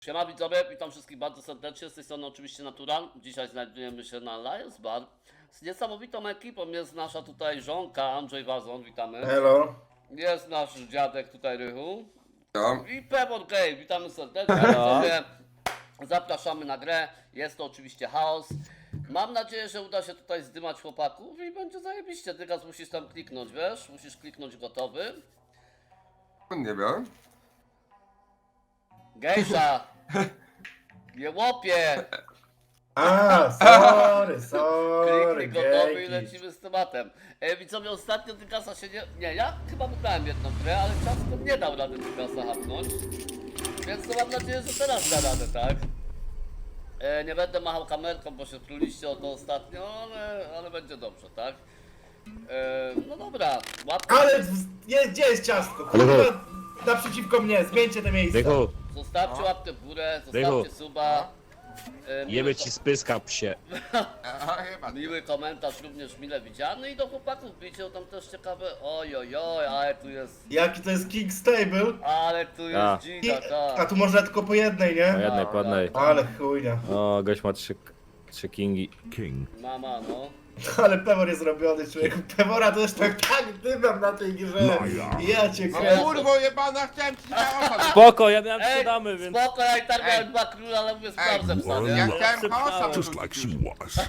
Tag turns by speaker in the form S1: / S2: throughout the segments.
S1: Siema widzowie, witam wszystkich bardzo serdecznie, z tej strony oczywiście Natural. Dzisiaj znajdujemy się na Lions Bar. Z niesamowitą ekipą jest nasza tutaj żonka, Andrzej Wazon, witamy.
S2: Hello.
S1: Jest nasz dziadek tutaj Rychu.
S3: No.
S1: I Pebor Gay, witamy serdecznie. Widzowie, zapraszamy na grę, jest to oczywiście chaos. Mam nadzieję, że uda się tutaj zdymać chłopaków i będzie zajebiście. Ty gaz musisz tam kliknąć, wiesz? Musisz kliknąć gotowy.
S3: Nie wiem.
S1: Gejsza! Nie łopie!
S2: Sorry,
S1: Kliknij gotowy i
S2: gejki.
S1: lecimy z tematem. Widzowie, ostatnio Dykasa się nie... Nie, ja chyba wygrałem jedną grę, ale ciasto nie dał rady Dykasa hapnąć. Więc to mam nadzieję, że teraz da radę, tak? Nie będę machał kamerką, bo się truliście o to ostatnio, ale będzie dobrze, tak? No dobra, łapkę.
S2: Ale gdzie jest ciastko? Kurwa, naprzeciwko mnie, zmieńcie te miejsca.
S4: Dychu,
S1: Zostawcie łapkę w górę, zostawcie
S4: Dychu.
S1: suba.
S4: jemy ci spyska, psie.
S3: Aha, chyba.
S1: Miły komentarz również mile widziany i do chłopaków bijcie, tam też ciekawe. Oj, ale tu jest.
S2: Jaki to jest King Stable?
S1: Ale tu
S4: A.
S1: jest dzida,
S2: A
S1: tak.
S2: tu można tylko po jednej,
S4: Po
S2: nie?
S4: jednej, po jednej.
S2: Ale chujnia.
S4: O, gość ma trzy kingi.
S1: Mama, no.
S2: Ale Pewor jest zrobiony, człowieku. Pewora to już tak dymam na tej grze. Ja cię
S3: No
S2: kręcę.
S3: kurwo jebana, chciałem ci chaosa.
S4: Spoko, ja miałem
S1: Ej,
S4: trzy damy, więc...
S1: spoko, ja i tak miałem
S3: Ej.
S1: dwa króle, ale mówię sprawdzę psa,
S3: Ja
S1: nie?
S3: chciałem chaosa.
S5: Just like she was.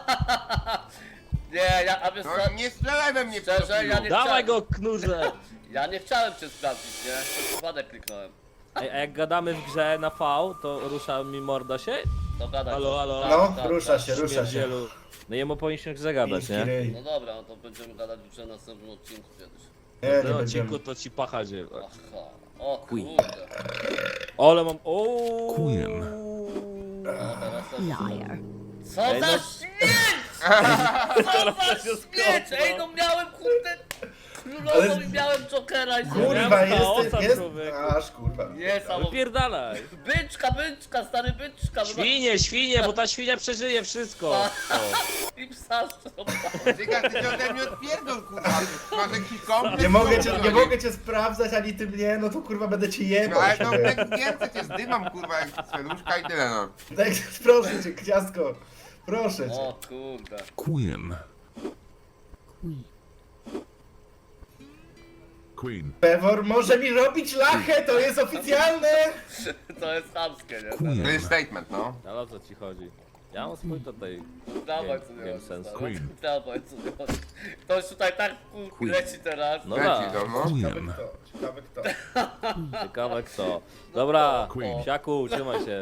S1: Nie, a wiesz co?
S3: No nie strzelaj we mnie,
S1: Szczerze,
S3: pedofilu.
S1: ja nie
S4: Dawaj
S1: chciałem.
S4: go, knurze!
S1: Ja nie chciałem cię sprawdzić, nie? To przypadek kliknąłem.
S4: Ej, a jak gadamy w grze na V, to rusza mi morda się?
S1: To gadaj.
S4: Halo,
S1: coś.
S4: halo.
S1: Tak,
S2: No,
S1: tak,
S2: rusza
S1: tak.
S2: się, rusza się.
S4: Śmierdzielu. No jemu powinniśmy grze gadać,
S2: Chiński
S4: nie?
S2: ryj.
S1: No dobra, no to będziemy gadać już na następnym odcinku kiedyś.
S2: Nie,
S4: W
S2: nie
S4: tym odcinku
S2: będziemy.
S4: to ci pacha dzieje.
S1: Aha. O kurde.
S4: Ole mam... Ooo.
S5: Queen.
S1: No, teraz to...
S6: Liar.
S1: Co
S4: Ej,
S1: za
S4: no-
S1: śmieć! Co za śmieć! Ej, no miałem kurde królową
S2: Ale-
S1: i miałem jokera i
S2: Kurwa,
S4: Miałem chaosa,
S2: jest...
S4: człowieku.
S2: Aż kurwa.
S1: Niesamowite.
S4: Wypierdalaj!
S1: Byczka, stary byczka.
S4: Świnie, bo ta świnia przeżyje wszystko! O.
S1: I psa szczopa.
S3: Dyga, ty się ode mnie odpierdol, kurwa. Masz jakiś komplet?
S2: Nie mogę cię sprawdzać, ani ty mnie, no to kurwa będę ci
S3: No
S2: jebał.
S3: ale to tak więcej cię zdymam, kurwa, jak sweduszka i tyle, no.
S2: Tak, proszę cię, ciastko. Proszę cię.
S1: O kurde.
S5: Queen. Queen.
S2: Pewor może mi robić lachę, to jest oficjalne!
S1: To jest chamskie, nie?
S5: Queen.
S3: To jest statement, no.
S4: Ale o co ci chodzi? Ja mam swój tutaj...
S1: Dawaj co nie
S4: Game
S1: chodzi,
S4: sense.
S1: stary.
S5: Queen.
S1: Dawaj co nie chodzi. Ktoś tutaj tak leci teraz.
S4: No
S3: Leci
S4: da,
S3: to, no.
S5: Queen.
S2: Ciekawe kto.
S4: ciekawe kto. Dobra,
S5: Queen.
S4: psiaku, trzymaj się.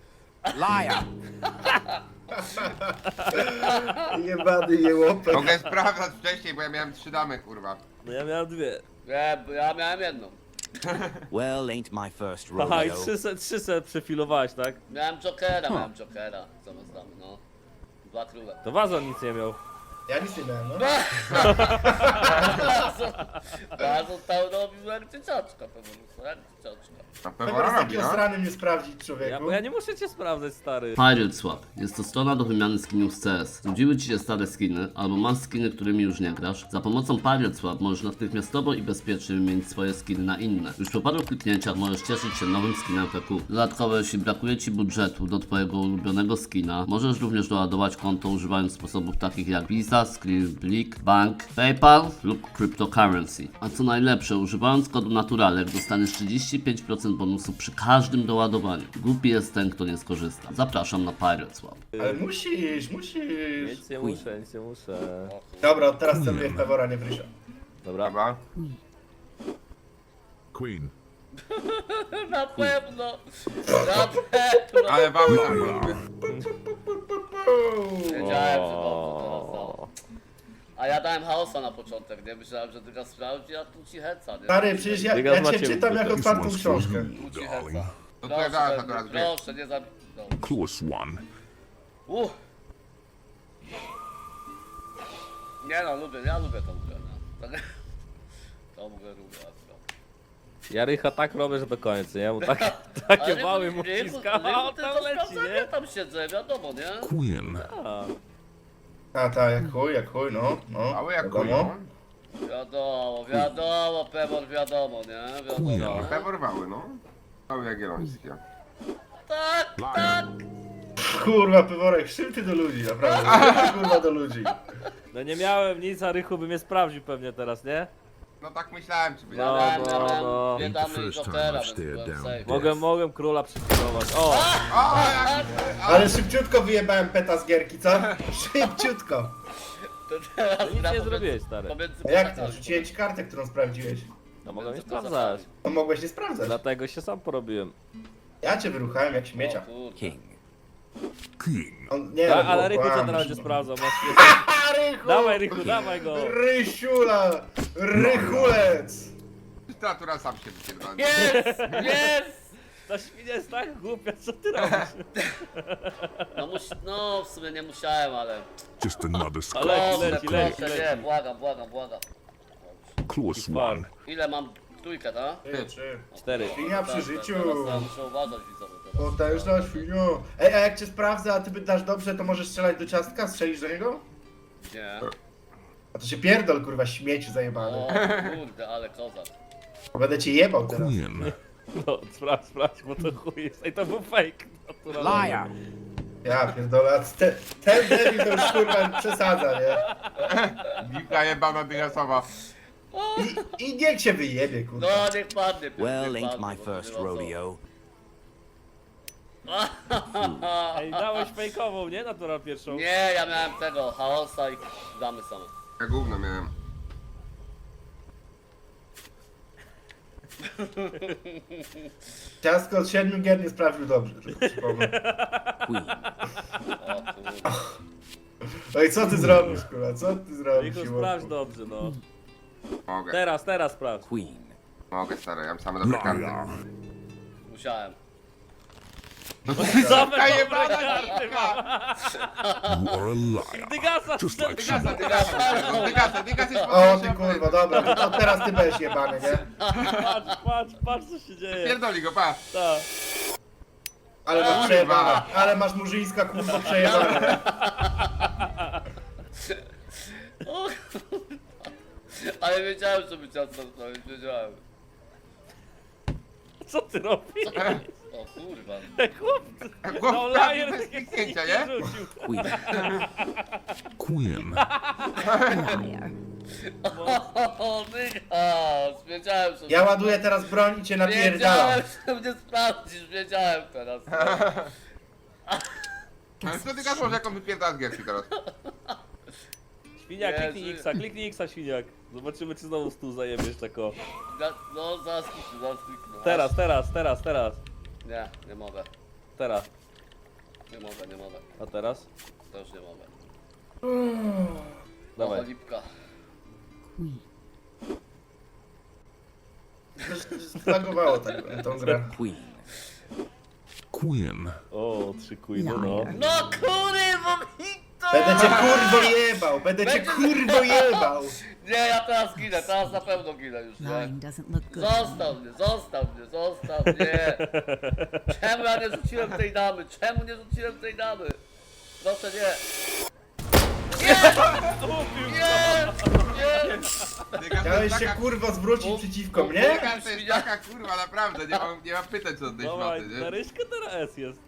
S2: Jebany jełopek.
S3: Mogę sprawdzać wcześniej, bo ja miałem 3 damy, kurwa.
S4: No ja miałem dwie.
S1: Nie, bo ja miałem jedną.
S7: Well, ain't my first
S4: Aha, i
S7: rodeo.
S4: trzy se przefilowałeś, tak?
S1: Miałem jokera, zamiast damy, no. Dwa króle.
S4: To Wazon nic nie miał.
S2: Ja nic nie miałem, no.
S1: Bardzo stał robił jak dzieciaczka, po prostu, jak dzieciaczka.
S3: Na
S2: Pewor
S3: pewno
S2: jest
S3: robi,
S2: taki
S3: no.
S2: osrany mnie sprawdzić,
S4: Ja,
S2: człowieku.
S4: bo ja nie muszę cię sprawdzać, stary.
S8: Pirate Swap. Jest to strona do wymiany skinów z CS. Znudziły Ci się stare skiny, albo masz skiny, którymi już nie grasz? Za pomocą Pirate Swap możesz natychmiastowo i bezpiecznie wymienić swoje skiny na inne. Już po paru kliknięciach możesz cieszyć się nowym skinem PQ. Dodatkowo, jeśli brakuje Ci budżetu do Twojego ulubionego skina, możesz również doładować konto używając sposobów takich jak Visa, Skribblik, Bank, PayPal lub Cryptocurrency. A co najlepsze, używając kodu Naturalek dostaniesz 35% bonusu przy każdym doładowaniu. Głupi jest ten, kto nie skorzysta. Zapraszam na Pirate Swap.
S2: Ale musisz.
S4: Nic nie muszę, nic nie muszę.
S2: Dobra, od teraz celuję w Pewora, nie w Rysza.
S4: Dobra.
S3: Dobra.
S5: Queen.
S1: Na pewno! Na pewno!
S3: Ale wały tam były.
S1: Wiedziałem, że dobrze teraz no. A ja dałem chaosa na początek, nie? Myślałem, że tylko sprawdzi, a tu ci heca, nie?
S2: Stary, przecież ja
S4: Dygas
S2: cię
S4: macie
S2: czytam jak
S4: ukryte.
S5: This
S2: otwartą
S5: one's for
S2: książkę.
S5: you,
S1: Tu ci
S5: darling.
S1: heca.
S3: To twoja zaraz akurat wie.
S1: Proszę, nie zabij. No.
S5: Close one.
S1: Nie no, ja lubię tą grę, no. Tą grę lubię akurat.
S4: Ja Rycha tak robię, że do końca, nie? Mu takie wały mu wciska, a on tam leci,
S1: Ja
S4: nie?
S1: tam siedzę, wiadomo, nie?
S5: Queen.
S4: A,
S2: A tak, jak chuj, no.
S3: Wały jak
S2: wiadomo.
S3: kują.
S1: Wiadomo, Pewor, wiadomo, nie? Wiadomo.
S5: Chuja.
S3: Pewor wały, no. Wały jagiellońskie.
S5: Liar.
S2: Kurwa, Peworek, szym ty do ludzi, naprawdę. Szym ty, kurwa, do ludzi.
S4: No nie miałem nic, a Rychu by mnie sprawdził pewnie teraz, nie?
S3: No tak myślałem, czy by
S4: No,
S1: Miałem
S4: no.
S1: dwie
S5: Ain't
S1: damy
S5: the
S1: i
S5: first time
S1: Jokera,
S5: I've
S1: więc
S5: stared
S1: byłem
S5: down
S1: safe.
S4: Mogłem króla przypilnować. O!
S3: O, jak...
S2: Ale szybciutko wyjebałem peta z gierki, co? Szybciutko.
S1: To teraz
S4: No nic
S1: gra
S4: nie
S1: pomiędzy-
S4: zrobiłeś, stary.
S1: pomiędzy
S2: A jak to?
S1: plecakami.
S2: Rzuciłem ci kartę, którą sprawdziłeś.
S4: No mogłem nie
S1: Pomiędzy
S4: sprawdzać.
S2: To mogłeś nie sprawdzać.
S4: Dlatego się sam porobiłem.
S2: Ja cię wyruchałem jak
S1: O
S2: śmiecia.
S1: kurde.
S7: King.
S5: King.
S2: On, nie,
S4: Tak,
S2: no,
S4: ale Rychu co
S2: kłamie.
S4: teraz będzie sprawdzał? Masz
S2: A, Rychu!
S4: Dawaj Rychu, dawaj go!
S2: Rysiula! Rychulec!
S3: Literatura sam się wypierdolnie.
S1: Jest! Jest!
S4: Ta świnia jest tak głupia, co ty robisz?
S1: No w sumie nie musiałem, ale...
S5: Just another score.
S4: Ale
S1: Proszę,
S4: leci,
S1: proszę,
S4: leci.
S1: nie, błagam.
S5: Close
S4: Far.
S5: one.
S1: Ile mam? Trójkę, tak?
S2: Trzy.
S4: 4.
S2: Świnia przy życiu.
S1: Teraz muszę uważać widzowie teraz.
S2: Potężna świnio. Ej, a jak cię sprawdzę, a ty dasz dobrze, to możesz strzelać do ciastka? Strzelisz do niego?
S1: Nie.
S2: A to się pierdol, kurwa, śmieci zajebany.
S1: O kurde, ale kozak.
S2: Będę cię jebał teraz.
S5: Queen.
S4: No, sprawdź, bo to chuj jest. Ej, to był fake. naturalny.
S7: Liar.
S2: Ja pierdolę, a ten debil to już kurwa przesadza, nie?
S3: Gipka jebana dygasowa.
S2: I niech się wyjebie, kurwa.
S1: No niech padnie.
S7: Well,
S1: niech
S7: ain't
S1: padnie,
S7: my
S1: bo
S7: first
S1: nie ma co.
S7: rodeo.
S4: Ej, dałeś fejkową, nie? Natural pierwszą.
S1: Nie, ja miałem tego, chaosa i damy same.
S3: Ja gówno miałem.
S2: Ciastko od 7 gier nie sprawdził dobrze, tylko przypomnę.
S7: Queen.
S1: O kurde.
S2: No i co ty zrobisz, kurwa, co ty zrobisz,
S4: Rychu,
S2: siłowku?
S4: sprawdź dobrze, no.
S3: Mogę,
S4: Teraz sprawdź.
S7: Queen.
S3: mogę stary, ja mam same dobre karty.
S5: Liar.
S1: Musiałem.
S4: Same dobre
S3: jebana
S4: karty
S3: gipka!
S5: You are a liar.
S4: Dygasa,
S5: Just like she
S3: Dygasa,
S5: was.
S3: dygas jest
S2: O ty kurwa, dobra, to teraz ty będziesz jebany, nie?
S4: patrz co się dzieje.
S3: Pierdoli go, patrz.
S4: Ta.
S2: Ale masz przejebane, ale masz murzyńska kurwa przejebane, nie?
S1: O kurde. Ale wiedziałem, że by ciasto zrobić, wiedziałem.
S4: Co ty robisz?
S1: O kurwa.
S4: Chłopcy. No
S3: Głowka
S4: lajer
S3: bez kliknięcia, nie?
S4: rzucił.
S7: Queen.
S5: Queen.
S1: O dygas, wiedziałem, że...
S2: Ja ładuję teraz broń i cię napierdalam.
S1: Wiedziałem, że mnie sprawdzisz, wiedziałem teraz.
S3: Ale co dygas może jak on wypierdala z gierki teraz?
S4: Świniak,
S1: Jezu.
S4: kliknij X-a, świniak. Zobaczymy, czy znowu stół zajebiesz tako.
S1: No zaraz kliknę, zaraz kliknę.
S4: Teraz.
S1: Nie, nie mogę.
S4: Teraz.
S1: Nie mogę.
S4: A teraz?
S1: To już nie mogę.
S4: Dawaj.
S1: O, lipka.
S2: Zlagowało tak tą grę.
S7: Queen.
S5: Queen.
S4: O, 3 queeny, no.
S1: No kurwa, hito!
S2: Będę cię kurwo jebał, będę cię kurwo jebał.
S1: Nie, ja teraz ginę, teraz na pewno ginę już, nie?
S6: Lying doesn't look good.
S1: Zostaw mnie. Czemu ja nie rzuciłem tej damy? Proszę nie. Nie!
S3: Dygas to
S2: Chciałeś
S3: jest
S2: się
S3: taka...
S2: kurwo zwrócić przeciwko mnie?
S3: Dygas to jest taka kurwa, naprawdę, nie mam pytań co do tej
S4: Dawaj,
S3: szmaty,
S4: na
S3: nie?
S4: ryśkę teraz S jest.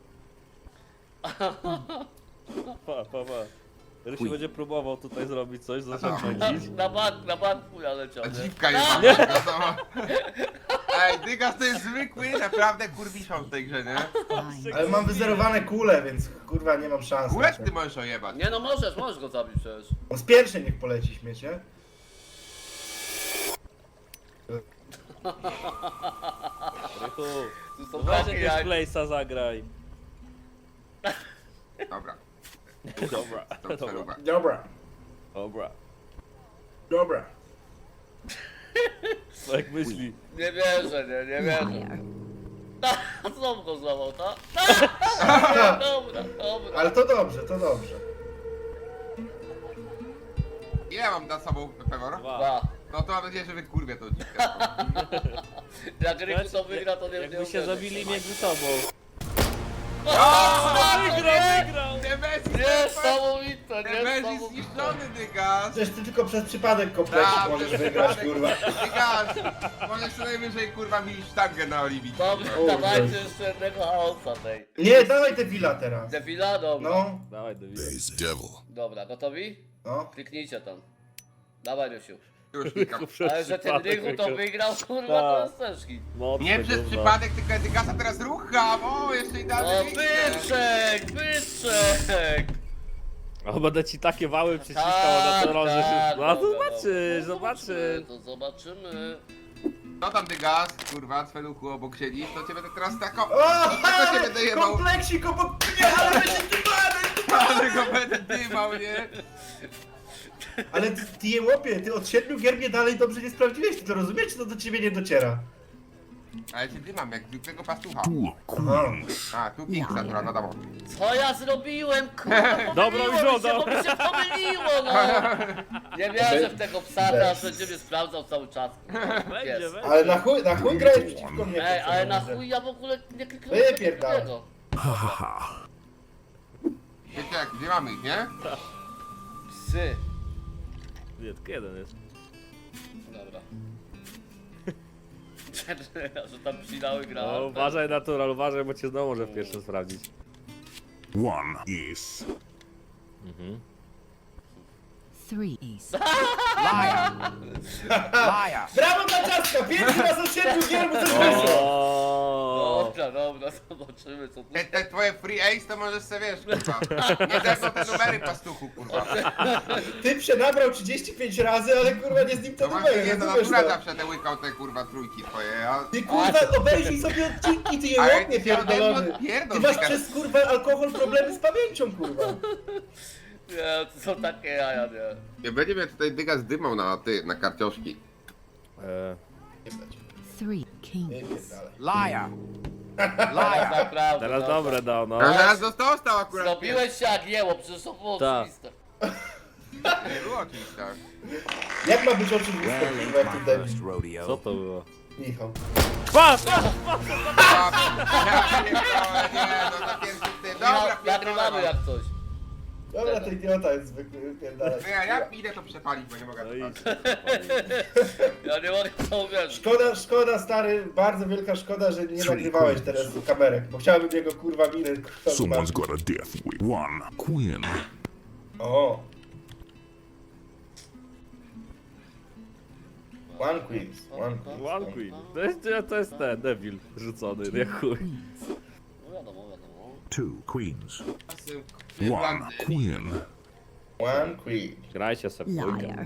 S4: Pa. Rysiu
S7: Queen.
S4: będzie próbował tutaj zrobić coś, zacząć
S1: Na banku ja leciał,
S3: A
S1: nie?
S3: dziwka jebana dygasowa. Ej, dygas to jest zwykły, naprawdę kurwiszą w tej grze, nie?
S6: Lying.
S2: Ale mam wyzerowane kule, więc kurwa nie mam szans.
S3: Kulek ty możesz ojebać.
S1: Nie no możesz go zabić przecież.
S2: On z pierwszej niech poleci śmiecie.
S4: Rychu,
S1: Tu są
S4: weź
S1: takie
S4: jakiegoś
S1: jak...
S4: place'a zagraj.
S3: Dobra,
S4: Dobra,
S3: to przeruba.
S2: Dobra.
S4: No jak myśli.
S1: Nie wierzę.
S6: Liar.
S1: Znowu go złamał, tak? Dobra.
S2: Ale to dobrze.
S3: Ile mam za sobą Pewor?
S1: 2.
S3: No to mam nadzieję, że wykurwię tą dziwkę.
S1: Jak Ryku to wygra, to nie
S4: Jakby się
S1: uwierzy.
S4: zabili między sobą.
S1: O,
S4: Wygrał!
S3: Nie weź
S1: Niesamowite! to
S3: Ten mecz jest
S1: niesamowite.
S3: zniszczony, Dygas.
S2: Przecież ty tylko przez przypadek kompleksik
S3: Tak,
S2: możesz
S3: przez
S2: wygrać,
S3: przypadek.
S2: kurwa.
S3: Dygas, możesz co najwyżej kurwa mi sztangę na oliwie.
S1: Dobra,
S2: O,
S1: dawajcie
S2: Jezu.
S1: jeszcze jednego chaosa tej.
S2: Nie, dawaj te willa teraz.
S1: Devila, dobra.
S2: No,
S4: Dawaj, David.
S5: There's devil.
S1: Dobra, gotowi?
S2: no.
S1: Kliknijcie tam. Dawaj, Rysiu.
S3: Już klikam.
S1: Ale że ten Rychu to wygrał, kurwa, to
S4: Tak.
S1: jest ciężki.
S4: Mocne,
S3: Nie przez
S4: gówno.
S3: przypadek, tylko Dygasa teraz rucham. O, jeszcze
S1: O,
S3: idealnie
S1: byczek, byczek!
S4: O, będę ci takie wały przyciskał na to że się... No
S1: dobra,
S4: zobaczysz,
S1: dobra.
S4: zobaczysz.
S1: To zobaczymy.
S3: No tam Dygas, kurwa, Cweluchu obok siedzisz, to cię będę teraz taką...
S2: O,
S3: Tylko cię będę jebał.
S2: kompleksik obok mnie, ale będzie dymany!
S3: Ale go będę dymał, nie?
S2: Ale ty je łopie, ty od 7 gier mnie dalej dobrze nie sprawdziłeś, ty to rozumiesz, czy to do ciebie nie dociera?
S3: Ale cię dymam, jak zwykłego pastucha.
S5: Two
S2: Aha.
S5: queens.
S3: A, tu Kingsa, która no dobra.
S1: Co ja zrobiłem, kurwa,
S4: Dobra,
S1: pomyliło
S4: już
S1: mi się,
S4: oddał.
S1: bo mi się pomyliło, no! Nie wierzę w tego psa, teraz będzie mnie sprawdzał cały czas.
S4: Będzie,
S1: Jest.
S4: będzie.
S2: Ale na chuj grałeś przeciwko mnie.
S1: Ej, ale na
S2: kurczę.
S1: chuj ja w ogóle nie kliknąłem
S2: Wypierdalaj.
S1: tego.
S5: Ha ha ha.
S3: Wiecie jak, gdzie mamy ich, nie?
S1: Psy.
S4: Nie, tylko jeden jest.
S1: Dobra. Że tam przydały gra.
S4: No, uważaj, natural, uważaj, bo cię znowu może w pierwszym sprawdzić.
S5: One is.
S6: Three ace.
S2: Brawo dla ciastka! Pierwszy raz od 7 gier mu coś wyszło!
S4: O.
S1: Dobra, zobaczymy co tu.
S3: Te twoje free ace to możesz sobie, wiesz, kurwa. Nie zerwą te numery pastuchu, kurwa.
S2: Ty przenabrał 35 razy, ale kurwa nie z nim te
S3: No właśnie,
S2: numery,
S3: nie, to
S2: rozumiesz
S3: natura
S2: to?
S3: zawsze te łykał te kurwa trójki twoje, a...
S2: Ty kurwa obejrzyj sobie odcinki, ty je
S3: Ale
S2: łopnie
S3: ty się
S2: pierdolony!
S3: odpierdol,
S2: Ty masz
S3: Dygas.
S2: przez kurwa alkohol problemy z pamięcią, kurwa!
S1: Nie, to są takie jaja, nie.
S3: Nie będzie mnie tutaj Dygas dymał na karcioszki.
S6: Three kings.
S2: Wypierdalaj.
S1: Teraz naprawdę.
S4: Teraz
S1: dobra.
S4: dobre dał, no.
S3: A zaraz dostał akurat.
S1: Zrobiłeś się jak jeło, przecież to było
S4: Tak.
S1: oczywiste.
S3: Nie było oczywiste.
S2: Jak ma być oczywiste,
S7: Well,
S2: kurwa,
S7: ain't
S2: jak
S7: my
S2: tu debil?
S7: first
S4: Co
S7: rodeo.
S4: to było?
S2: Michał.
S4: Patrz!
S3: Ja pierdolę, nie, no na pierwszy ty. Dobra,
S1: Nagrywamy jak coś.
S2: Dobra, to idiota jest zwykły, wypierdalaj.
S3: No ja jak idę to przepalić, bo nie mogę
S4: No
S3: to
S4: i
S3: patrzeć.
S1: Ja nie mogę w to uwierzyć.
S2: Szkoda stary, bardzo wielka szkoda, że nie nagrywałeś teraz kamerek, bo chciałbym jego kurwa miny kurwa,
S5: Someone's
S2: zobaczyć.
S5: got a death wish. One queen.
S2: O! One Queens, One Queens.
S4: One Queen. To jest ten, Devil rzucony, nie chuj.
S1: No wiadomo.
S5: Two queens.
S3: Nie
S5: One
S3: plan-
S5: queen.
S2: One Queen.
S4: Grajcie sobie w dwójkę.
S6: Liar.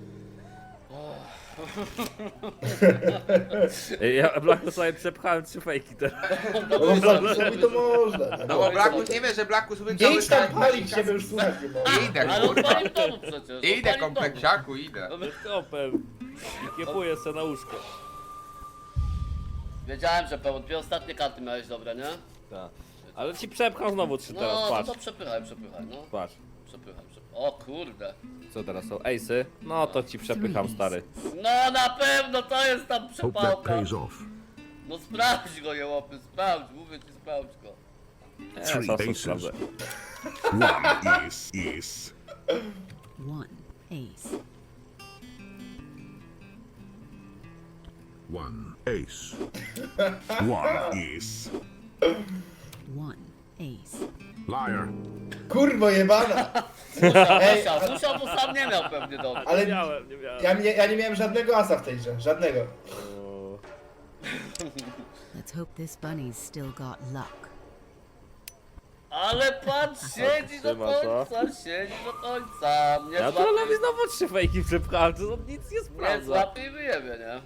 S4: Ej, ja Blacku sobie przepchałem 3 fejki teraz.
S2: No bo zrobi to można.
S3: No bo Blackus nie wie, że Blackus wygrał.
S2: Nie idź tam palić, żeby już słuchać nie mogę.
S3: Idę,
S1: Ale on
S3: kurwa.
S1: pali w domu przecież.
S3: Idę,
S1: on pali w domu.
S3: kompleksiaku, idę.
S4: Z kopem. I kiepuję se na łóżko.
S1: Wiedziałem, że pełno. 2 ostatnie karty miałeś dobre, nie?
S4: Tak. Ale ci przepcham znowu 3 teraz,
S1: No,
S4: patrz.
S1: to przepychaj, no.
S4: Patrz.
S1: Przepychaj. O kurde.
S4: Co teraz są? Ejsy? No to ci przepycham, stary.
S1: No na pewno to jest tam
S5: Hope that
S1: przepałka.
S5: pays off.
S1: No sprawdź go, jełopy, sprawdź, mówię ci, sprawdź go.
S4: Nie,
S5: Three
S4: co
S5: aces.
S4: sprawdzę.
S5: One is.
S6: One ace.
S5: One ace. One is.
S6: One ace.
S5: Liar.
S2: Kurwo jebana! Ej,
S1: Musiał, bo sam nie miał pewnie dobrze.
S2: ale
S4: Nie miałem, nie miałem.
S2: ja nie miałem żadnego asa w tej grze, żadnego.
S4: O,
S6: Let's hope this bunny's still got luck.
S1: Ale patrz, siedzi do
S4: Trzyma to.
S1: końca, siedzi do końca. Nie
S4: Ja
S1: złapie,
S4: trollowi znowu 3 fejki przepchałem, to on nic nie
S1: nie
S4: sprawdza.
S1: złapie i wyjebie, nie?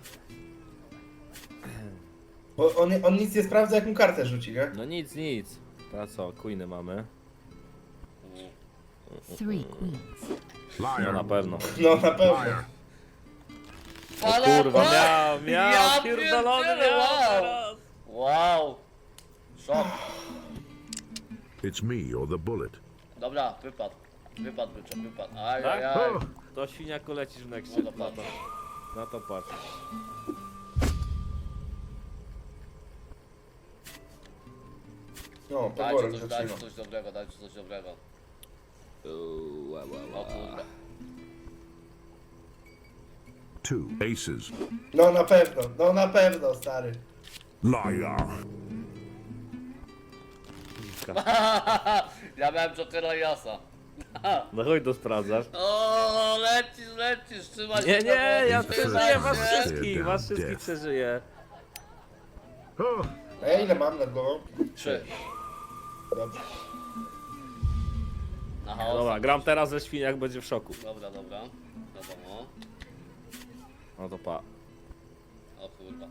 S2: Bo on nic nie sprawdza, jak mu kartę rzuci, nie?
S4: No nic. Teraz co, queeny mamy?
S6: Three queens.
S4: No na
S5: Liar.
S4: pewno.
S2: No na pewno.
S5: Liar.
S1: Ale
S4: Kurwa, miał,
S1: Ja
S4: pierdolony
S1: pierdzielę,
S4: miał
S1: wow.
S4: teraz.
S1: Wow. Szok.
S5: It's me or the bullet.
S1: Dobra, wypadł. Wypadł byczek, wypadł.
S4: Tak?
S1: Ajajaj.
S5: Oh.
S4: To świniaku lecisz w nexcie,
S1: No to
S4: na
S1: patrz.
S4: to. Na to patrz.
S2: No,
S1: Dajcie
S2: poborem
S1: coś,
S2: się
S1: dajcie
S2: trzyma.
S1: coś dobrego, dajcie coś dobrego. O kurde.
S5: 2 aces.
S2: No na pewno, stary.
S5: Liar.
S1: Ja miałem Jokera i Asa.
S4: No chodź to sprawdzasz.
S1: O, lecisz, trzymaj
S4: Nie,
S1: się
S4: nie,
S1: na
S4: ja
S1: boku,
S4: przeżyję
S1: trzymaj
S4: was
S1: się.
S4: wszystkich, was wszystkich przeżyję.
S5: Oh,
S2: A ja ile mam nad głową?
S1: 3.
S2: Dobrze.
S1: Na chaos.
S4: Dobra, gram teraz ze świniak, będzie w szoku.
S1: Dobra. Wiadomo.
S4: No to pa.
S1: O kurwa.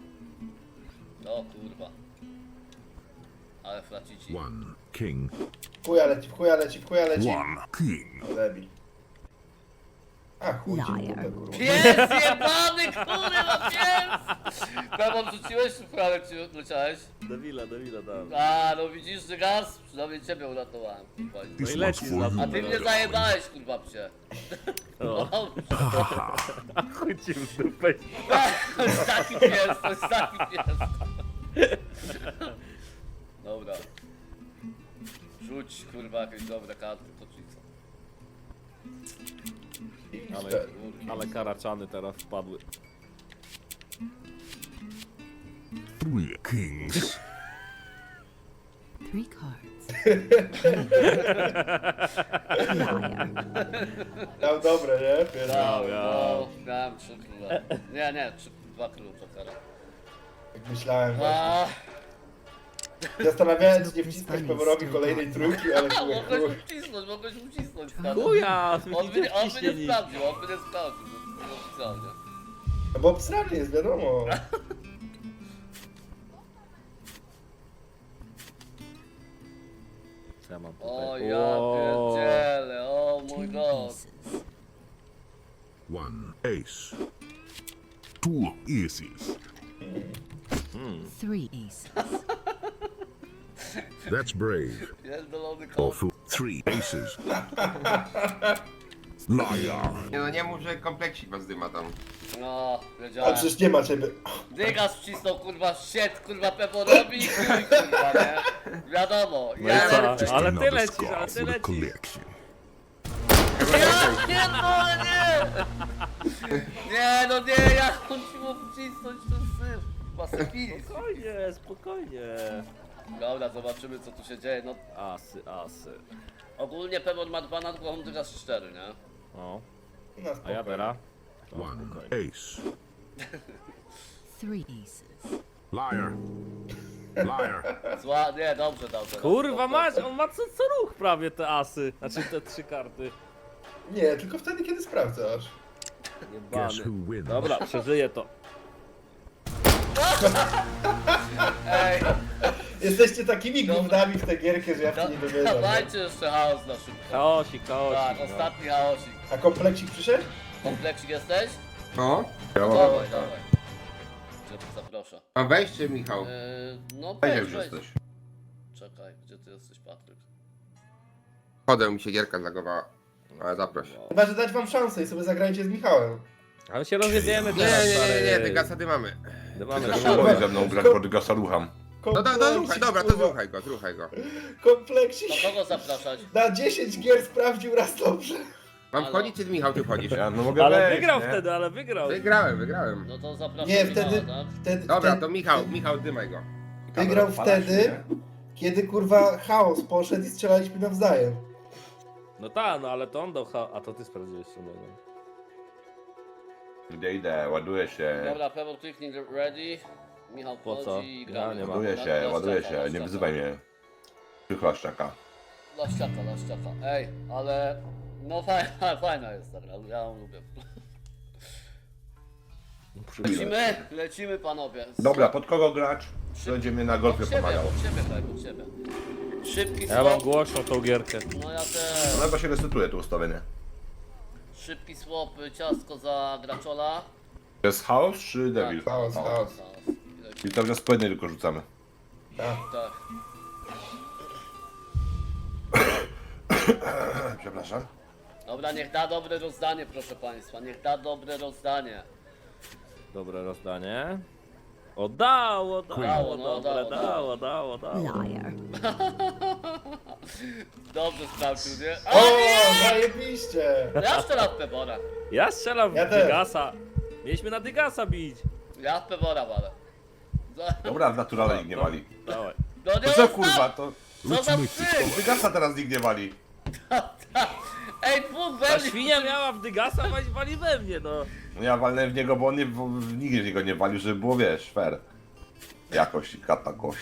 S1: Ale flacici.
S5: 1 king.
S2: W chuja leci.
S5: 1 king.
S2: O, debil. A chuj ci w dupę, kurwa.
S1: Pies jebany, kurwa, pies! Pewno rzuciłeś, czy prawie ci leciałeś?
S4: Debila, dam.
S1: A, no widzisz, że gaz? Przynajmniej ciebie uratowałem, kurwa.
S4: No i
S5: This one's
S4: leci
S5: for
S4: za
S5: you.
S1: A ty mnie zajebałeś, kurwa, psie.
S4: O.
S1: No,
S4: Chuj ci w dupę.
S1: to jest taki pies. Dobra. Rzuć, kurwa, jakieś dobre karty, to ci co?
S4: Ale karaczany teraz wpadły.
S5: 3 kings.
S6: 3 cards. Liar.
S2: Dał dobre, nie? Pierdolę.
S1: No, miałem 3 króle. Nie, 2 króle Jokera.
S2: Jak myślałem właśnie.
S1: A,
S2: Zastanawiałem się, nie wciskać Peworowi kolejnej trójki, ale chuj.
S1: mogłeś ucisnąć. stary.
S4: Chuja,
S1: On by nie
S4: nic.
S1: sprawdził, no, oficjalnie.
S2: No bo obsrany jest, wiadomo.
S4: Co ja mam tutaj?
S1: O ja pierdzielę, o mój
S6: Two
S1: god.
S6: aces.
S5: 1 ace. 2 aces.
S6: 3 aces.
S5: That's brave.
S1: Pierdolony
S5: Or
S1: kot.
S5: fool. 3 aces. Liar.
S3: Nie no, nie mów, że kompleksik was dyma tam.
S1: No,
S2: A
S1: wiedziałem.
S2: przecież nie ma ciebie.
S1: Dygas wcisnął, kurwa, shit, kurwa, Peporowi i chuj, kurwa, nie? Wiadomo,
S4: No
S1: ja
S4: i co?
S1: lecę.
S4: Ale ty
S5: Another
S4: lecisz,
S5: scarf
S4: ale ty
S5: with a
S4: lecisz.
S5: collection.
S1: Ja pierdolę, nie! No nie, jak on ci mógł wcisnąć ten syf? Pasyfilis.
S4: Spokojnie.
S1: Dobra, zobaczymy co tu się dzieje, no.
S4: Asy.
S1: Ogólnie Pepor ma 2 nad głową, Dygas 4, nie?
S4: O,
S2: Na
S4: a ja teraz?
S5: 1 ace.
S6: 3 aces.
S5: Liar. Liar.
S1: Zła, nie, dobrze.
S4: Kurwa masz, on ma co ruch prawie te asy. Znaczy te 3 karty.
S2: Nie, tylko wtedy, kiedy sprawdzasz.
S5: Guess
S4: Jebany.
S5: who wins?
S4: Dobra, przeżyję to.
S1: Ej,
S2: Jesteście takimi gównami w tę gierkę, że ja w to nie dowierzam. nie?
S1: dawajcie jeszcze chaos na szybko.
S4: Chaosik.
S1: Tak,
S4: no.
S1: ostatni chaosik.
S2: A kompleksik przyszedł?
S1: Kompleksik jesteś?
S3: No?
S1: Dawaj. Gdzie tu zaproszę?
S3: A weźcie, Michał.
S1: No
S3: Weź
S1: weź,
S3: już
S1: weź.
S3: jesteś.
S1: Czekaj, gdzie ty jesteś, Patryk?
S3: Chodę mi się gierka zagowała. Ale zaproś.
S2: Chyba, że dać wam szansę i sobie zagrajcie z Michałem.
S4: Ale się rozjedziemy
S3: Nie,
S4: teraz,
S3: nie, te gasady mamy.
S4: Mamy
S2: Kurwa,
S9: ze mną grać pod gasa rucham.
S3: No
S2: kompleksik,
S3: dobra, to
S2: kurwa.
S3: zruchaj go.
S2: Kompleksik.
S1: To kogo zapraszać?
S2: Na 10 gier sprawdził raz dobrze.
S3: Mam
S1: Ale-
S3: wchodzić, czy Michał, ty wchodzisz?
S9: Ja no mogę
S4: Ale
S9: wejść,
S4: wygrał
S9: nie?
S4: wtedy, ale wygrał.
S3: Wygrałem.
S1: No to zapraszam
S2: Nie,
S1: Michała,
S2: wtedy,
S1: tak?
S2: wtedy,
S3: Dobra,
S2: wtedy
S3: to Michał, dymaj go.
S2: wygrał
S9: Odpalasz,
S2: wtedy, kiedy kurwa chaos poszedł i strzelaliśmy nawzajem.
S4: No tak, no ale to on dał a to ty sprawdziłeś sobie.
S9: Idę, ładuję się.
S1: Dobra, Pebble kliknij ready. Michał
S4: Po co?
S1: wchodzi i gramy.
S4: Ja nie mam.
S9: Ładuję się, nie wyzywaj mnie. Przychlaszczaka.
S1: Laściaka. Ej, ale... No fajna jest ta gra, ja ją lubię. Lecimy panowie.
S9: Dobra, pod kogo grać? Będzie mnie na golfie pomagał.
S1: Pod siebie. Szybki
S4: Ja mam
S1: swap.
S4: głośną tą gierkę.
S1: No ja też.
S9: No chyba się resetuje to ustawienie.
S1: Szybki swap, ciastko za graczola.
S9: To jest chaos czy devil?
S2: Chaos.
S9: I to wniosek po jednej tylko rzucamy.
S2: Tak.
S1: Tak.
S9: Przepraszam.
S1: Dobra, niech da dobre rozdanie, proszę państwa. Niech da dobre rozdanie.
S4: Dobre rozdanie. Dało.
S1: Dało, no,
S4: Dobre,
S1: dało.
S4: dało.
S6: Liar.
S1: Dobrze sprawdził, nie? A
S2: O,
S1: nie!
S2: zajebiście!
S1: Ja strzelam w Pebora.
S4: Ja strzelam w
S2: Ja też.
S4: Dygasa. Mieliśmy na Dygasa bić.
S1: Ja w Pebora walę.
S9: Dobra, w naturale nikt nie wali.
S4: Dawaj.
S1: No nie
S9: To co
S1: ostatni!
S9: kurwa, to...
S1: Co za psy!
S9: Wygasa teraz nikt nie wali.
S1: Ej, dwóch
S4: Ta
S1: we mnie!
S4: świnia miała w Dygasa, wali we mnie, no.
S9: No ja walnę w niego, bo on nie, nikt w niego nie walił, żeby było, wiesz, fair. Jakoś, kata koś.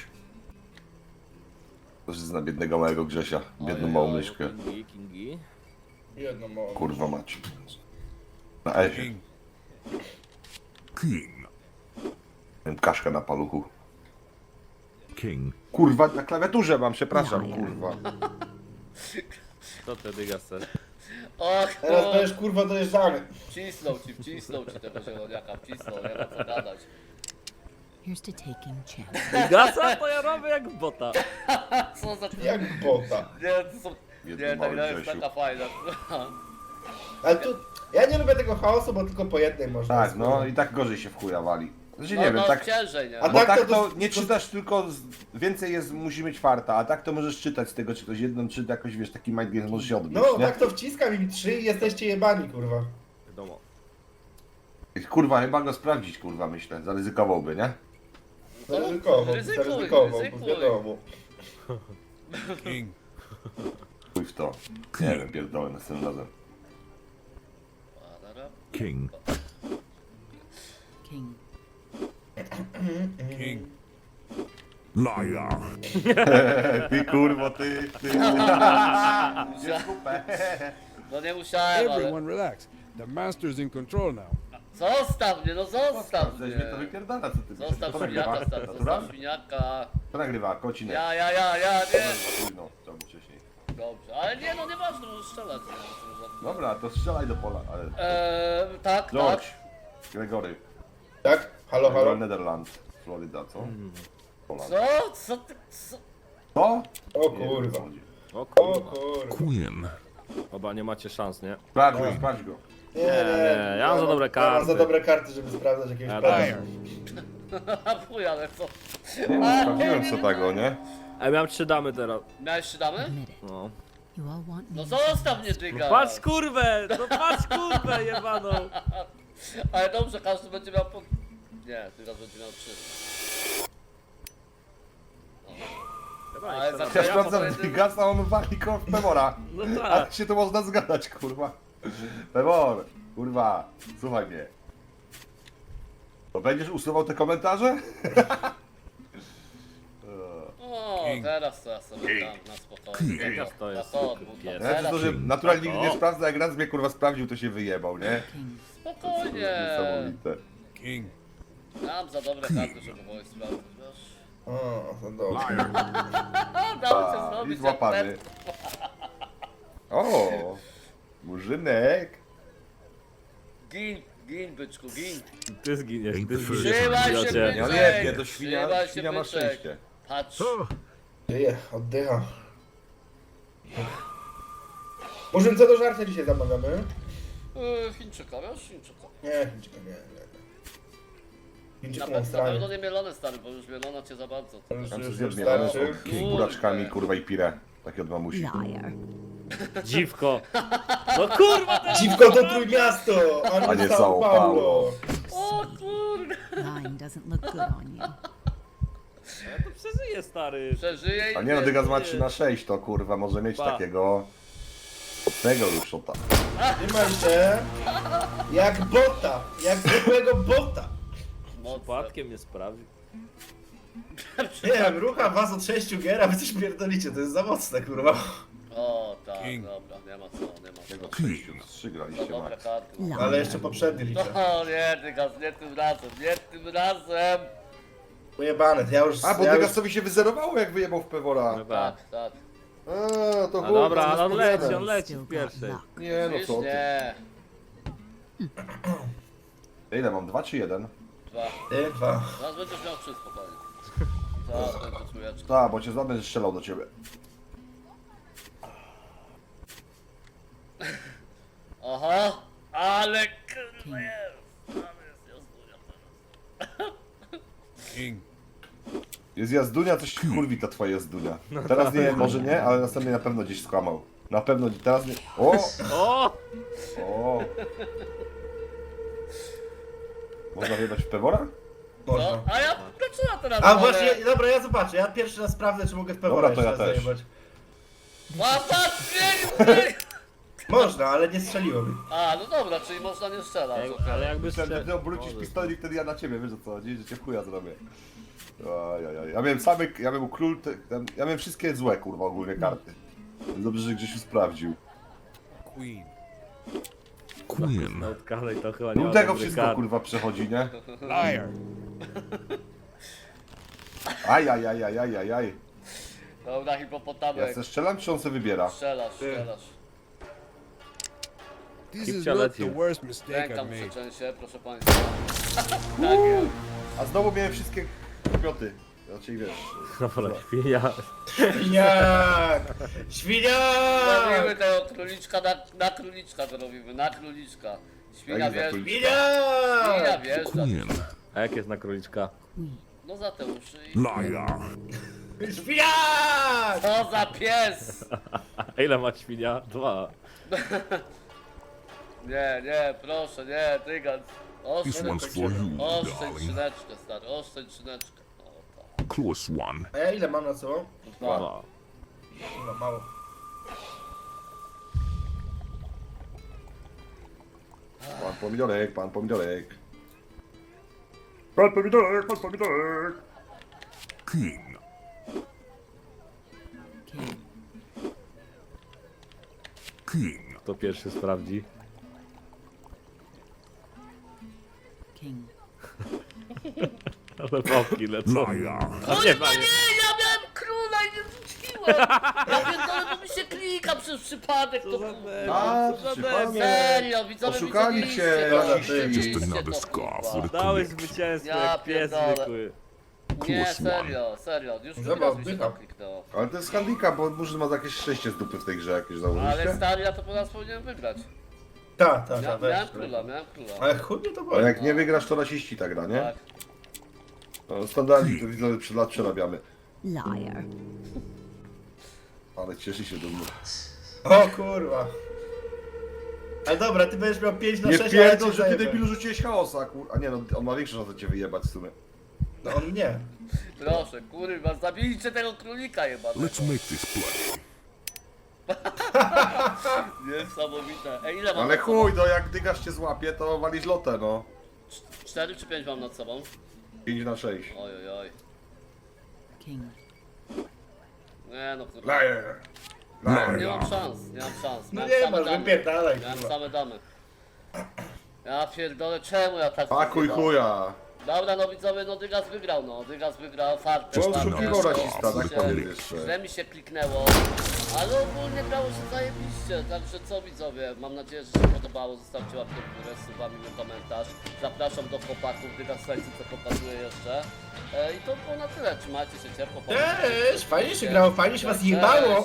S9: To jest na biednego małego Grzesia, biedną małą myszkę.
S4: Kingi.
S2: Jedno mało.
S9: Kurwa mać. Na Ezie.
S5: King.
S9: Miałem kaszkę na paluchu.
S5: King.
S9: Kurwa, na klawiaturze mam, przepraszam, kurwa.
S4: To te Dygasy.
S1: Och,
S2: Teraz
S1: no.
S2: będziesz kurwa dojeżdżany.
S1: Wcisnął ci tego zieloniaka, wcisnął, nie ma co gadać.
S6: Here's to taking chances.
S4: Dygasa to ja robię jak bota.
S1: Co za...
S2: Jak bota.
S1: Nie, to są...
S9: Jedno
S1: Nie, ta
S9: małe
S1: gra jest
S9: Grzesiu.
S1: taka fajna.
S2: Ale tu, ja nie lubię tego chaosu, bo tylko po jednej można.
S9: Tak, no i tak gorzej się w chuja wali. Znaczy
S1: No,
S9: nie wiem,
S1: no,
S9: tak...
S1: ciężej, nie?
S2: A
S9: Bo
S2: tak
S9: tak
S2: to
S9: to
S2: dos-
S9: nie czytasz tylko, więcej jest, musi mieć farta, a tak to możesz czytać z tego, czy ktoś jedną czyta, jakoś wiesz, taki mind game może się odbyć,
S2: No,
S9: nie?
S2: tak to wciskam im 3 i jesteście jebani, kurwa.
S4: Wiadomo.
S9: Kurwa, chyba go sprawdzić, kurwa, myślę, zaryzykowałby, nie?
S2: Zaryzykowo,
S1: Ryzykuj,
S2: zaryzykowo,
S1: ryzykuj.
S2: wiadomo.
S9: Chuj w to. Nie wiem, pierdolę następnym razem.
S5: King.
S6: King.
S5: Liar.
S9: Ty kurwo, ty.
S1: No nie musiałem, ale...
S10: Everyone relax. The master's in control now.
S1: Zostaw mnie, no zostaw
S9: Coś
S1: mnie!
S9: mnie to wypierdala, co ty myślisz?
S1: Zostaw
S9: Kto nagrywa?
S1: świniaka, stary,
S9: Natura?
S1: zostaw świniaka.
S9: Kto nagrywa? Kocinek.
S1: Ja, nie!
S9: No, co było wcześniej.
S1: Dobrze, ale nie, no nieważne, możesz strzelać. Nie,
S9: Dobra, to strzelaj do pola, ale...
S1: tak,
S9: George.
S1: tak.
S9: Gregory.
S2: Tak? Halo, halo?
S9: Netherlands. Florida, co? Poland.
S1: Co ty, co?
S9: Co?
S2: O
S9: Nie wiem,
S2: kurwa.
S9: o co chodzi.
S4: O
S2: O
S4: kurwa.
S2: kurwa.
S5: Queen.
S4: Oba nie macie szans, nie?
S9: Sprawdź go.
S2: Nie,
S4: ja mam za dobre
S2: Ja mam za
S4: karty.
S2: dobre karty, żeby sprawdzać jakiegoś
S4: Ja
S2: prawa.
S1: Fuj, ale co?
S9: Nie wiem, sprawdziłem co tego, nie?
S4: A miałem 3 damy teraz.
S1: Miałeś 3 damy?
S6: Admit it.
S4: No.
S6: You all want me.
S1: No zostaw mnie, dyga!
S4: Patrz kurwę! No patrz kurwę jebaną!
S1: Ale dobrze, każdy będzie miał po... Nie, dyga będzie miał 3. Ale za
S9: Ja sprawdzam
S1: pojedynek-
S9: Digasa, on wali koło Pemora.
S4: No
S9: A
S4: tak.
S9: się to można zgadać, kurwa. Pemor, kurwa, słuchaj mnie. To będziesz usuwał te komentarze?
S1: O, teraz to ja sobie dam na spokojnie.
S4: Teraz to jest
S9: Ja
S1: Teraz
S9: to, że naturalnie nigdy nie sprawdza, jak raz mnie kurwa sprawdził, to się wyjebał, nie?
S6: King.
S1: spokojnie.
S9: Niesamowite.
S10: King.
S1: Mam za dobre karty, żeby kogoś sprawdzić, wiesz?
S2: O, to dobrze.
S5: Liar.
S1: Dało cię
S9: A, i
S1: zrobić jak
S9: złapany.
S1: ten.
S9: O, murzynek.
S1: Gin, byczku, gin.
S4: Ty zginiesz,
S5: Ain't
S4: ty
S5: the first
S4: zginiesz.
S1: Trzymaj się,
S4: idiocie.
S9: Ja
S1: byczek!
S9: nie, to świnia,
S1: Trzymaj się,
S9: świnia ma
S1: byczek.
S9: szczęście.
S1: Patrz.
S2: Żyje, oddycha. Murzyn, co do żarcia dzisiaj zamawiamy?
S1: Chińczyka, wiesz? Chińczyka.
S2: Nie, Chińczyka, nie. Chińczyka
S1: Na
S2: mam
S1: pewno
S2: stranie.
S1: nie mielone, stary, bo już mielona cię za bardzo.
S9: Tam się zjadł mielone z buraczkami, kurwa i pire. Takie od mamusi.
S6: Liar.
S4: Dziwko. No kurwa! Ten...
S2: Dziwko to Trójmiasto, a
S9: A nie
S2: nie
S9: São
S2: São Paulo.
S1: O kurde!
S6: Lying doesn't look good on you.
S4: Ja to przeżyję, stary.
S1: Przeżyje i
S9: A nie no, Dygas ma
S4: nie.
S9: 3/6, to kurwa może mieć
S4: Pa.
S9: takiego... Tego już szota.
S2: Trzymaj się. Jak bota, jak zwykłego bota.
S1: mocno.
S4: Przypadkiem nie sprawił.
S2: Nie wiem, rucha was od 6 gier, a wy coś pierdolicie, to jest za mocne, kurwa.
S1: O tak,
S10: King.
S1: dobra, nie ma co, nie ma
S9: Jego
S1: co.
S9: 6
S1: To
S9: 3 graliście
S1: dobre
S9: max.
S1: karty.
S6: Liar.
S2: Ale jeszcze poprzedni liczę.
S1: O nie, Dygas, nie tym razem, nie tym razem!
S2: Pojebane, ja już...
S9: A, bo
S2: ja już...
S9: Dygasowi się wyzerowało jak wyjebał w Pewora.
S4: No tak.
S1: Tak, tak.
S9: A, to
S4: No
S9: chuj,
S4: dobra,
S9: to
S4: ale on
S9: jest
S4: leci, on
S9: pogadane.
S4: leci
S6: Still
S4: w
S6: got
S4: pierwszej.
S6: luck.
S9: Nie no
S1: Widzisz?
S9: co ty.
S1: Nie.
S9: Ile mam? 2 czy 1?
S1: 2.
S2: Ty, 2.
S1: Zaraz będziesz miał 3 spokojnie. Zaraz będzie trójeczka.
S9: Tak, bo cię będę strzelał do ciebie.
S1: Aha, ale kurwa jest. Ale jest jazdunia teraz.
S10: King.
S9: Jest jazdunia, coś kurwi ta twoja jazdunia. Teraz nie, może nie, ale następnie na pewno gdzieś skłamał. Na pewno teraz nie. O!
S4: O!
S9: O! Można wyjebać w Pewora?
S2: Można.
S1: No, a ja dlaczego teraz
S2: A
S1: wolę?
S2: właśnie, dobra, ja zobaczę. Ja pierwszy raz sprawdzę, czy mogę w Pewora
S9: Dobra, to
S2: jeszcze
S9: ja
S2: raz
S9: też.
S2: zajebać.
S1: Łapa, strzelił!
S2: Można, ale nie strzeliłem.
S1: A, no dobra, czyli można nie strzelać. okej.
S4: Ale jakby
S9: Myślałem, że ty obrócisz pistolet i wtedy ja na ciebie, wiesz o co chodzi, że cię w chuja zrobię. Ajajaj. Ja miałem same, ja miałem król, ja miałem wszystkie złe kurwa ogólnie karty. Dobrze, że Grzesiu sprawdził.
S10: Queen.
S5: Queen.
S4: Na utkanej to chyba nie ma
S9: Rudego
S4: dobrych
S9: wszystko
S4: kart.
S9: kurwa przechodzi, nie?
S10: Liar.
S9: Ajajajajajajaj.
S1: Dobra,
S9: Ja
S1: hipopotamek.
S9: se strzelam, czy on se wybiera?
S1: Strzelasz.
S10: This
S4: Keep
S10: is
S4: your
S10: not the
S4: attitude.
S10: worst mistake
S1: Ręka
S10: I've
S1: mu
S10: made.
S1: przeczęsie, proszę państwa. Tak jest.
S9: A znowu miałem wszystkie kmioty. Znaczy wiesz.
S4: Dobra, świnia.
S2: Świniak! Świniak!
S1: Robimy tego króliczka na króliczka to robimy, na króliczka. Świnia
S9: Jak za
S1: wiesz,
S9: króliczka?
S1: świnia
S2: Świniak!
S1: wiesz,
S5: Queen.
S4: A jak jest na króliczka?
S1: no za te uszy i...
S5: Liar.
S2: Świniak!
S1: Co za pies!
S4: A ile ma świnia? 2.
S1: Nie, proszę, nie, Dygans.
S5: This one's for you,
S1: Oszczędź
S5: darling.
S1: szyneczkę, stary, oszczędź szyneczkę. O, tak.
S5: Close one.
S2: A ja ile mam na sobą?
S4: Dwa.
S2: No, mało.
S9: Pan pomidorek, pan pomidorek. Pan pomidorek, pan pomidorek.
S5: King.
S6: King.
S5: King.
S4: Kto pierwszy sprawdzi?
S6: King.
S4: Ale babki lecą.
S5: Liar.
S4: A nie,
S1: Nie, ja miałem króla i nie rzuciłem! Ja pierdolę, bo mi się klika przez przypadek, to
S9: A,
S1: kurwa.
S9: przypadek.
S1: Serio, widzowie
S9: Oszukali
S1: widzieliście
S9: cię,
S1: to,
S9: rasiści.
S1: widzieliście
S5: Just another
S1: to,
S5: scar
S1: kurwa.
S5: for the
S4: Dałeś
S5: collection.
S4: zwycięstwo
S1: Ja
S4: jak pies
S1: pierdolę.
S4: zwykły.
S1: Nie,
S5: Close
S1: serio, już
S2: Dobra,
S1: drugi raz mi się
S2: oddycham.
S1: to kliknęło.
S9: Ale to jest handicap, bo Murzyn ma jakieś szczęście z dupy w tej grze jakieś
S1: Ale
S9: założyliście.
S1: stary, ja to po nas powinienem wygrać.
S2: Tak,
S1: Miałem króla, miałem króla.
S2: Ale chuj mnie to
S9: A
S2: boli.
S9: jak nie wygrasz, to rasiści ta gra, nie?
S1: Tak.
S9: No, standardzi, to widzę, przed lat przerabiamy.
S6: Liar.
S9: Ale cieszy się do mnie.
S2: O kurwa. Ale dobra, ty będziesz miał 5 na
S9: Nie
S2: 6,
S9: pierdol, że ty debilu rzuciłeś chaosa, kur... A nie no, on ma większą szansę cię wyjebać w sumie.
S2: No on nie.
S1: Proszę, kurwa, zabijcie tego królika jebanego.
S5: Let's make this play.
S1: Niesamowite. Ej, ile mam
S9: Ale
S1: nad sobą?
S9: chuj, no jak dygasz cię złapie, to walisz lotę, no.
S1: 4 czy 5 mam nad sobą?
S9: 5 na 6.
S1: Oj, oj, oj.
S6: King.
S1: Nie no, kurwa.
S9: Liar.
S1: Nie mam szans, nie mam szans.
S2: No
S1: Miałem
S2: nie
S1: same
S2: masz,
S1: damy.
S2: wypierdalaj
S1: Miałem
S2: kurwa.
S1: same damy. Ja pierdolę, czemu ja tak
S9: Pakuj
S1: wygrałem?
S9: chuja.
S1: Dobra, no widzowie, no Dygas wygrał, no. Dygas wygrał fartem.
S9: On
S1: fartem.
S9: oszukiwał rasista, tak
S1: Się-
S9: powiem jeszcze.
S1: Źle mi się kliknęło, ale ogólnie grało się zajebiście, także co widzowie, mam nadzieję, że się podobało, zostawcie łapkę w górę, subami mi komentarz. Zapraszam do chłopaków, Dygas Sajcy, co pokazuje jeszcze. I to było na tyle, trzymajcie się ciepło.
S2: Cześć, fajnie się grało, fajnie się was jebało.